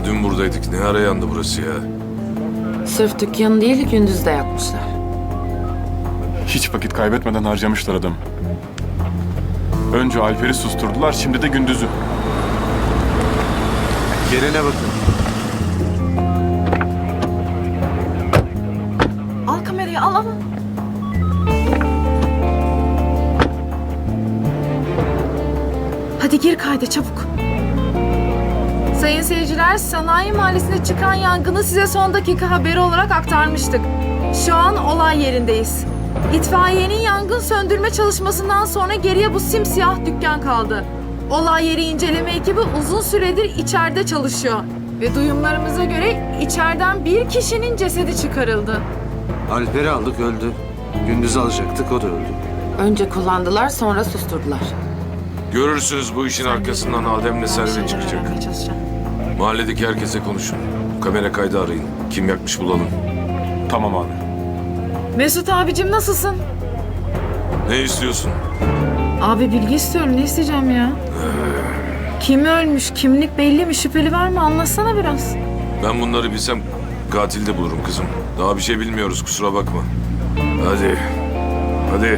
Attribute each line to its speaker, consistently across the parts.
Speaker 1: Daha dün buradaydık. Ne ara yandı burası ya?
Speaker 2: Sırf dükkanı değil gündüz de yakmışlar.
Speaker 3: Hiç vakit kaybetmeden harcamışlar adamı. Önce Alper'i susturdular, şimdi de Gündüz'ü.
Speaker 4: Yerine bakın.
Speaker 2: Al kamerayı al. Hadi gir kayda çabuk.
Speaker 5: Sayın seyirciler, Sanayi Mahallesi'nde çıkan yangını size son dakika haberi olarak aktarmıştık. Şu an olay yerindeyiz. İtfaiyenin yangın söndürme çalışmasından sonra geriye bu simsiyah dükkan kaldı. Olay yeri inceleme ekibi uzun süredir içeride çalışıyor. Ve duyumlarımıza göre içeriden bir kişinin cesedi çıkarıldı.
Speaker 4: Alper'i aldık, öldü. Gündüz alacaktık, o da öldü.
Speaker 2: Önce kullandılar sonra susturdular.
Speaker 1: Görürsünüz bu işin arkasından Adem'le Servet çıkacak. Mahalledeki herkese konuşun. Kamera kaydı arayın. Kim yakmış bulalım.
Speaker 3: Tamam abi.
Speaker 5: Mesut abicim nasılsın?
Speaker 1: Ne istiyorsun?
Speaker 5: Abi bilgi istiyorum, ne isteyeceğim ya? Kim ölmüş, kimlik belli mi, şüpheli var mı? Anlatsana biraz.
Speaker 1: Ben bunları bilsem katil de bulurum kızım. Daha bir şey bilmiyoruz, kusura bakma. Hadi. Hadi.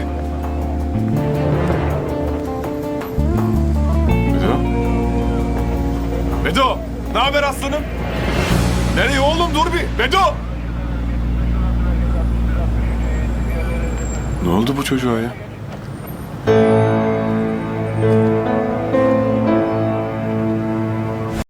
Speaker 3: Bedo? Bedo! Ne haber aslanım? Nereye oğlum, dur bir! Bedo! Ne oldu bu çocuğa ya?